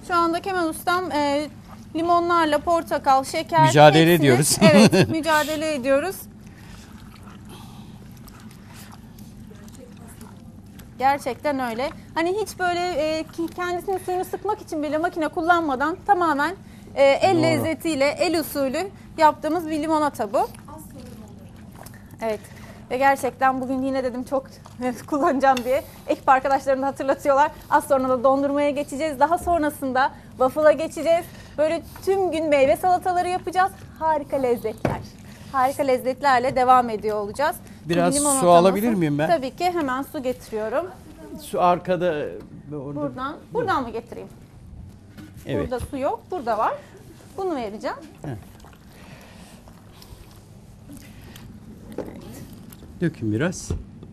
Şu anda Kemal Ustam limonlarla portakal, şeker Mücadele hepsini, ediyoruz. Evet, mücadele ediyoruz. Gerçekten öyle. Hani hiç böyle kendisinin suyunu sıkmak için bile makine kullanmadan tamamen el Doğru. lezzetiyle, el usulü yaptığımız bir limonata bu. Evet. Ve gerçekten bugün yine dedim çok kullanacağım diye ekip arkadaşlarım da hatırlatıyorlar. Az sonra da dondurmaya geçeceğiz. Daha sonrasında waffle'a geçeceğiz. Böyle tüm gün meyve salataları yapacağız. Harika lezzetler. Harika lezzetlerle devam ediyor olacağız. Biraz Şimdi su limonatamızı- alabilir miyim ben? Tabii ki hemen su getiriyorum. Su arkada. Orada. Buradan mı getireyim? Evet. Burada su yok. Burada var. Bunu vereceğim. Dökün biraz.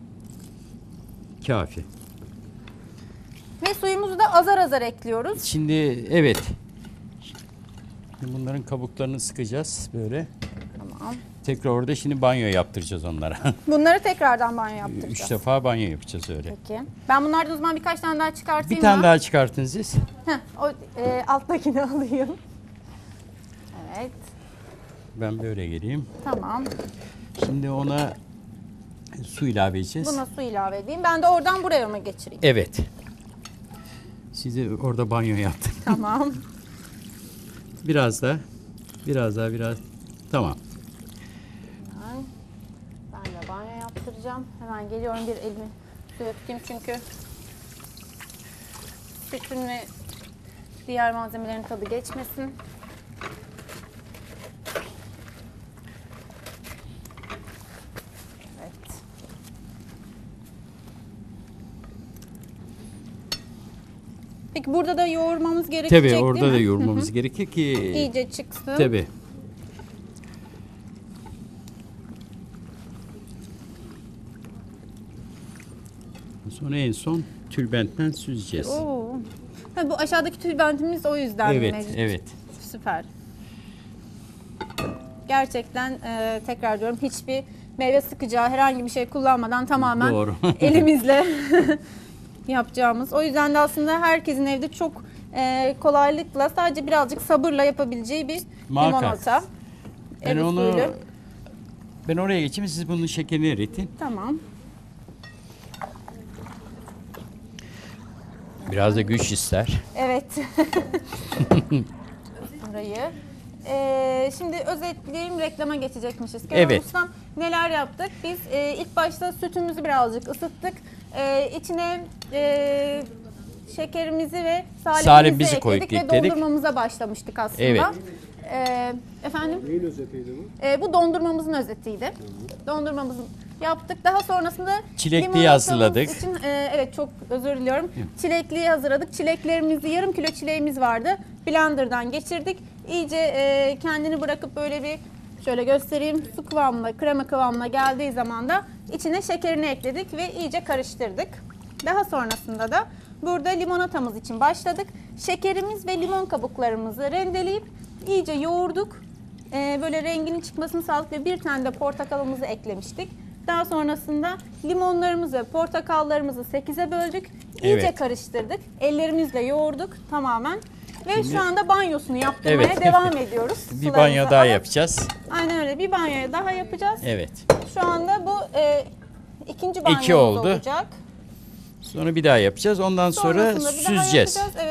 Kafi. Ve suyumuzu da azar azar ekliyoruz. Şimdi evet. Şimdi bunların kabuklarını sıkacağız böyle. Tamam. Tekrar orada şimdi banyo yaptıracağız onlara. Bunları tekrardan banyo yaptıracağız. 3 defa banyo yapacağız öyle. Peki. Ben bunlardan o zaman birkaç tane daha çıkartayım Bir tane mı? daha çıkartın siz. O alttakini alayım. Evet. Ben böyle geleyim. Tamam. Şimdi ona su ilave edeceğiz. Buna su ilave edeyim. Ben de oradan buraya mı geçireyim? Evet. Size orada banyo yaptım. Tamam. Biraz daha. Biraz. Tamam. Ben de banyo yaptıracağım. Hemen geliyorum, bir elimi suya tutayım çünkü sütün ve diğer malzemelerin tadı geçmesin. Evet. Peki burada da yoğurmamız gerekecek Tabii orada değil da mi? yoğurmamız gerekir ki. İyice çıksın. Tabii. Sonra en son tülbentten süzeceğiz. Oo. Ha, bu aşağıdaki tülbentimiz o yüzden Evet, mevcut. evet. Süper. Gerçekten tekrar diyorum, hiçbir meyve sıkacağı herhangi bir şey kullanmadan tamamen Doğru. elimizle yapacağımız. O yüzden de aslında herkesin evde çok kolaylıkla, sadece birazcık sabırla yapabileceği bir Muhakkak. limonata. Ben El onu usulü. ben oraya geçeyim, siz bunun şekerini eritin. Tamam. Biraz da güç ister. Evet. Burayı. Şimdi özetleyeyim, reklama geçecekmişiz. Kemal Evet. Ustam, neler yaptık? Biz ilk başta sütümüzü birazcık ısıttık. İçine şekerimizi ve Salebimizi ekledik koyduk, ve ekledik. dondurmamıza başlamıştık aslında. Evet. Efendim? Neyin özetiydi bu? Bu dondurmamızın özetiydi. Dondurmamızı yaptık. Daha sonrasında Çilekliyi limonatamız hazırladık. için, evet, çok özür diliyorum. Çilekliyi hazırladık. Çileklerimizi, yarım kilo çileğimiz vardı. Blender'dan geçirdik. İyice kendini bırakıp böyle bir, şöyle göstereyim, su kıvamına, krema kıvamına geldiği zaman da içine şekerini ekledik ve iyice karıştırdık. Daha sonrasında da burada limonatamız için başladık. Şekerimiz ve limon kabuklarımızı rendeleyip iyice yoğurduk. Böyle renginin çıkmasını sağladık ve bir tane de portakalımızı eklemiştik. Daha sonrasında limonlarımızı ve portakallarımızı 8'e böldük. İyice Evet. karıştırdık. Ellerimizle yoğurduk tamamen. Ve şu anda banyosunu yaptırmaya Evet. devam ediyoruz. Bir Sularımızı banyo daha alıp. yapacağız. Aynen öyle. Bir banyo daha yapacağız. Evet. Şu anda bu ikinci banyomuz oldu. olacak. Sonra bir daha yapacağız. Ondan sonra Sonrasında bir daha süzeceğiz. yapacağız. Evet.